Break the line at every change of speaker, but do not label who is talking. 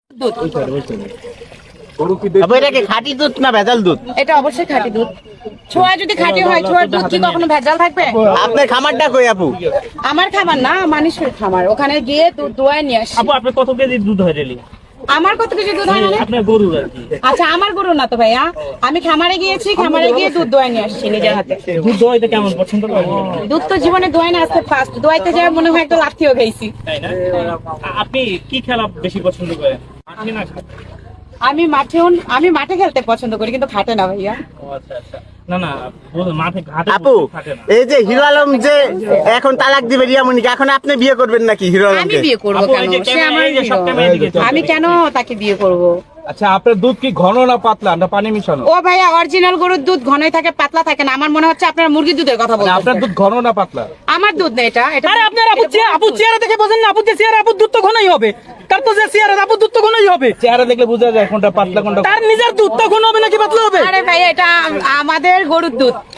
দুধ।
এটা কি খাঁটি দুধ না ভেজাল দুধ?
এটা অবশ্যই খাঁটি দুধ। ছোয়া যদি খাঁটি হয়, ছোয়ার দুধ কি কখনো ভেজাল থাকবে?
আপনার খামারটা কই আপু?
আমার খামার না, মানুষের খামার। ওখানে গিয়ে দুধ দোয়ায় নিয়ে আসি।
আপু আপনার কত কেজি দুধ হয় ডেলি?
আমার কত কেজি দুধ হয় মানে?
আপনার গরুর আর কি।
আচ্ছা, আমার গরু না তো ভাইয়া, আমি খামারে গিয়েছি, খামারে গিয়ে দুধ দোয়ায় নিয়ে আসছি নিজের হাতে।
দুধ দোয়াইতে কেমন পছন্দ করেন?
দুধ তো জীবনে দোয়ায় না, আসতে ফার্স্ট দোয়াইতে যায় মনে হয় একটা লাঠিও খাইছি।
তাই না? আপনি কি খেলা বেশি পছন্দ করেন? মাঠে না ঘাটে?
আমি মাঠে খেলতে পছন্দ করি, কিন্তু খাটে না ভাইয়া।
ও আচ্ছা আচ্ছা। না না, মাঠে ঘাটে
আপু
ঘাটে না।
এই যে হিরো আলম যে এখন তালাক দিবে রিয়ামণিকে, এখন আপনি বিয়ে করবেন নাকি হিরো
আমি
আলমকে?
বিয়ে করবো
আপু,
কেন?
এই যে
সে আমার
এই যে সব
hero।
ক্যামেরা দিকে চলছে।
আমি কেন তাকে বিয়ে করব?
আচ্ছা, আপনার দুধ কি ঘন না পাতলা না পানি মিশানো?
ও ভাইয়া, অরিজিনাল গরুর দুধ ঘনই থাকে, পাতলা থাকে না। আমার মনে হচ্ছে আপনার মুরগির দুধের কথা
মানে আপনার
বলছেন।
দুধ ঘন না পাতলা?
আমার দুধ না এটা।
আরে আপনার আপু চেহারা দেখে বোঝেন না? আপু যে চেহারা, আপুর দুধ তো ঘনই হবে। তার তো যে চেহারা, আপুর দুধ তো ঘনই হবে।
চেহারা দেখলে বোঝা যায় কোনটা পাতলা কোনটা।
তার নিজের দুধ তো ঘন হবে নাকি পাতলা হবে?
আরে ভাইয়া, এটা আমাদের গরুর দুধ,